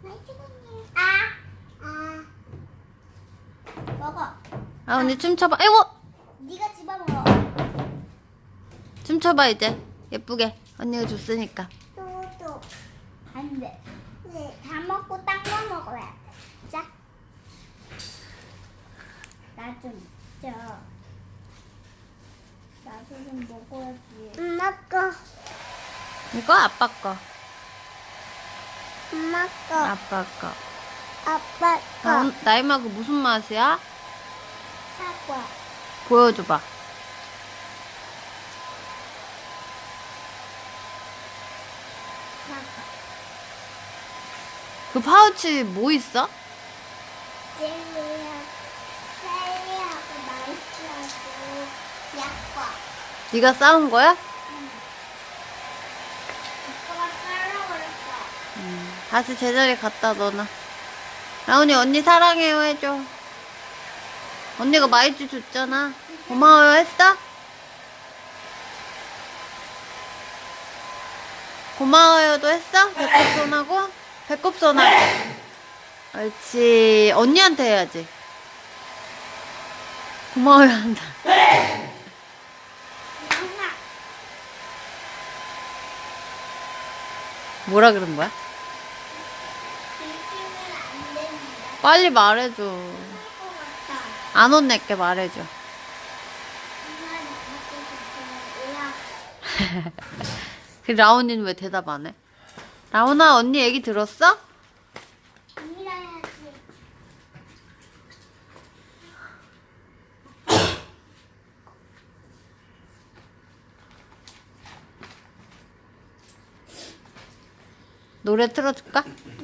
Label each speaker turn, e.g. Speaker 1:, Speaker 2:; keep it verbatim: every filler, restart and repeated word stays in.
Speaker 1: 아, 아, 먹어.
Speaker 2: 아, 언니 춤춰봐. 아이고!
Speaker 1: 네가 집어먹어.
Speaker 2: 춤춰봐, 이제. 예쁘게. 언니가 줬으니까.
Speaker 1: 또또 안 돼. 네, 다 먹고 딴 거 먹어야 돼. 자, 나 좀 줘. 나도 좀 먹어야지. 엄마 거.
Speaker 2: 이거 아빠 거.
Speaker 1: 엄마 거.
Speaker 2: 아빠 거.
Speaker 1: 아빠 거.
Speaker 2: 아, 나이마 그 무슨 맛이야?
Speaker 1: 사과.
Speaker 2: 보여줘봐.
Speaker 1: 사과.
Speaker 2: 그 파우치 뭐 있어?
Speaker 1: 젤리하고 젤리하고 마이스하고 약과.
Speaker 2: 네가 싸운 거야?
Speaker 1: 오빠가 깔라고 그랬어.
Speaker 2: 음, 다시 제자리 갖다 넣어놔. 라온이 언니 사랑해요 해줘. 언니가 마이쮸 줬잖아. 고마워요 했어? 고마워요도 했어? 배꼽손하고? 배꼽손하고. 옳지. 언니한테 해야지. 고마워요 한다.
Speaker 1: 엄마.
Speaker 2: 뭐라 그런 거야?
Speaker 1: 들키면 안 됩니다.
Speaker 2: 빨리 말해줘.
Speaker 1: 할 것 같아.
Speaker 2: 안 혼낼게 말해줘.
Speaker 1: 엄마 나한테 좋다면
Speaker 2: 그 라온이는 왜 대답 안 해? 라온아 언니 얘기 들었어?
Speaker 1: 아니라 해야지.
Speaker 2: 노래 틀어줄까?